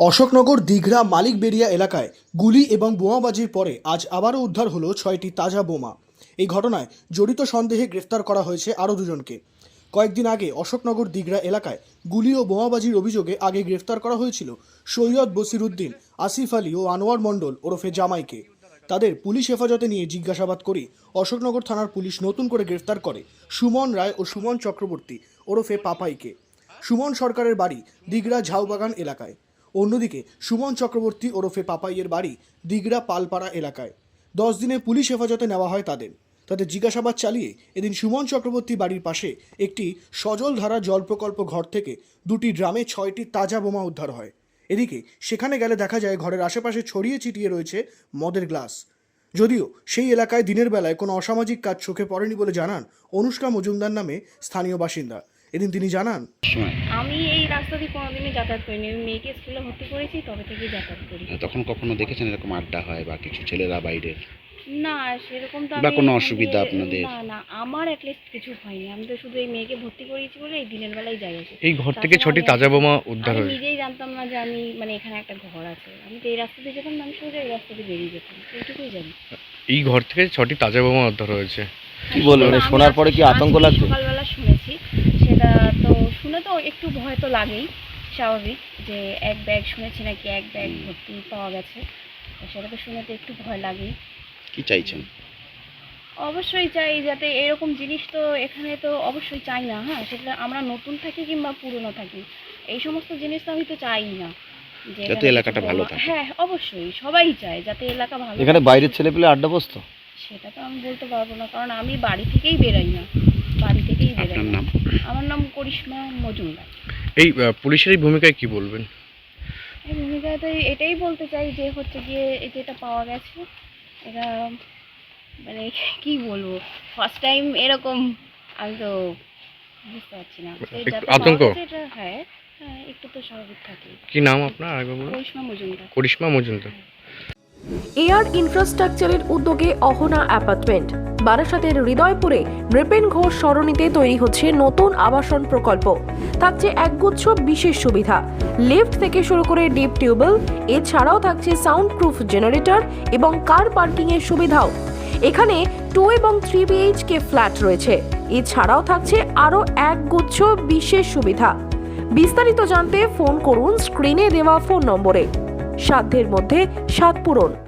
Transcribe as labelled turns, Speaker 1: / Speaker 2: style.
Speaker 1: অশোকনগর দিঘরা মালিকবেড়িয়া এলাকায় গুলি এবং বোমাবাজির পরে আজ আবারও উদ্ধার হলো ৬টি তাজা বোমা। এই ঘটনায় জড়িত সন্দেহে গ্রেফতার করা হয়েছে আরও দুজনকে। কয়েকদিন আগে অশোকনগর দিঘরা এলাকায় গুলি ও বোমাবাজির অভিযোগে আগে গ্রেফতার করা হয়েছিল সৈয়দ বসিরউদ্দিন, আসিফ আলী ও আনোয়ার মণ্ডল ওরফে জামাইকে। তাদের পুলিশ হেফাজতে নিয়ে জিজ্ঞাসাবাদ করে অশোকনগর থানার পুলিশ নতুন করে গ্রেফতার করে সুমন রায় ও সুমন চক্রবর্তী ওরফে পাপাইকে। সুমন সরকারের বাড়ি দিঘরা ঝাউবাগান এলাকায়। অন্যদিকে সুমন চক্রবর্তী ওরফে পাপাইয়ের বাড়ি দিঘরা পালপাড়া এলাকায়। 10 দিনের পুলিশ হেফাজতে নেওয়া হয় তাদের জিজ্ঞাসাবাদ চালিয়ে এদিন সুমন চক্রবর্তী বাড়ির পাশে একটি সজলধারা জল প্রকল্প ঘর থেকে 2টি ড্রামে 6টি তাজা বোমা উদ্ধার হয়। এদিকে সেখানে গেলে দেখা যায় ঘরের আশেপাশে ছড়িয়ে ছিটিয়ে রয়েছে মদের গ্লাস। যদিও সেই এলাকায় দিনের বেলায় কোনো অসামাজিক কাজ চোখে পড়েনি বলে জানান অনুষ্কা মজুমদার নামে স্থানীয় বাসিন্দা। এদিন তিনি জানান,
Speaker 2: আমি এই রাস্তা দিয়ে কোনোদিনই যাতায়াত করিনি। আমি মেয়েকে স্কুলে ভর্তি করেছি, তবে থেকেই যাতায়াত করি।
Speaker 3: তখন কখনো দেখেছেন এরকম আড্ডা হয় বা কিছু ছেলেরা বাইরের?
Speaker 2: না, সেরকম তো
Speaker 3: বা
Speaker 2: আমি
Speaker 3: কোনো অসুবিধা আপনাদের?
Speaker 2: না, আমার অ্যাটলিস্ট কিছু হয়নি। আমি তো শুধু এই মেয়েকে ভর্তি করিয়েছি বলে এই দিনের বেলায় যাই আসি।
Speaker 4: এই ঘর থেকে 6টি তাজা বোমা উদ্ধার
Speaker 2: আমি
Speaker 4: হয়েছে।
Speaker 2: নিজেই জানতাম না যে আমি এখানে একটা ঘর আছে। আমি তো এই রাস্তা দিয়ে যেতাম না, আমি শুধু এই রাস্তা দিয়ে বেরিয়ে যেতাম, এইটুকুই জানি।
Speaker 4: এই ঘর থেকে 6টি তাজা বোমা উদ্ধার হয়েছে।
Speaker 5: কি বলবেন, শোনার পরে কি আতঙ্ক লাগছে?
Speaker 2: সকালবেলা শুনেছি, সেটা তো শুনে তো একটু ভয় তো লাগেই, স্বাভাবিক, যে এক ব্যাগ শুনেছি নাকি এক ব্যাগ ভর্তি পাওয়া গেছে, সেটা তো শুনে তো একটু ভয় লাগেই।
Speaker 3: কি চাইছেন?
Speaker 2: অবশ্যই চাই যাতে এরকম জিনিস তো এখানে তো অবশ্যই চাই না। হ্যাঁ, সেটা আমরা নতুন থাকি কিংবা পুরনো থাকি, এই সমস্ত জিনিস তো আমি তো চাই না যে
Speaker 3: যাতে এলাকাটা ভালো থাকে।
Speaker 2: হ্যাঁ, অবশ্যই সবাই চায় যাতে এলাকা ভালো
Speaker 5: এখানে
Speaker 2: থাকে।
Speaker 5: বাইরের ছেলেপেলে আড্ডা বসতো?
Speaker 2: সেটা তো আমি বলতে পারবো না, কারণ আমি বাড়ি থেকেই বেরোই না, বাড়ি থেকেই বেরোই
Speaker 3: আপনার
Speaker 2: না।
Speaker 3: নাম?
Speaker 2: আমার নাম করিশ্মা মজুমদার।
Speaker 4: এই পুলিশের এই ভূমিকায় কি বলবেন?
Speaker 2: এই ভূমিকায় তো এটাই বলতে চাই যে হচ্ছে গিয়ে যেটা পাওয়া গেছে, এটা মানে কি বলবো, ফার্স্ট টাইম এরকম, আমি তো বুঝতে পারছি না।
Speaker 4: আতঙ্ক?
Speaker 2: হ্যাঁ, একটু তো স্বাভাবিক থাকে।
Speaker 4: কি নাম আপনার? আগে বলুন।
Speaker 2: করিশ্মা মজুমদার।
Speaker 4: করিশ্মা মজুমদার।
Speaker 6: এয়ার ইনফ্রাস্ট্রাকচারের উদ্যোগে অহনা অ্যাপার্টমেন্ট বারাসাতের হৃদয়পুরে নৃপেন ঘোষ সরণিতে তৈরি হচ্ছে নতুন আবাসন প্রকল্প। থাকছে একগুচ্ছ বিশেষ সুবিধা, লিফট থেকে শুরু করে ডিপ টিউবওয়েল, এছাড়াও থাকছে সাউন্ড প্রুফ জেনারেটর এবং কার পার্কিং এর সুবিধাও। এখানে 2 এবং 3 BHK ফ্ল্যাট রয়েছে, এছাড়াও থাকছে আরও একগুচ্ছ বিশেষ সুবিধা। বিস্তারিত জানতে ফোন করুন স্ক্রিনে দেওয়া ফোন নম্বরে। সাধ্যের মধ্যে স্বাদ পূরণ।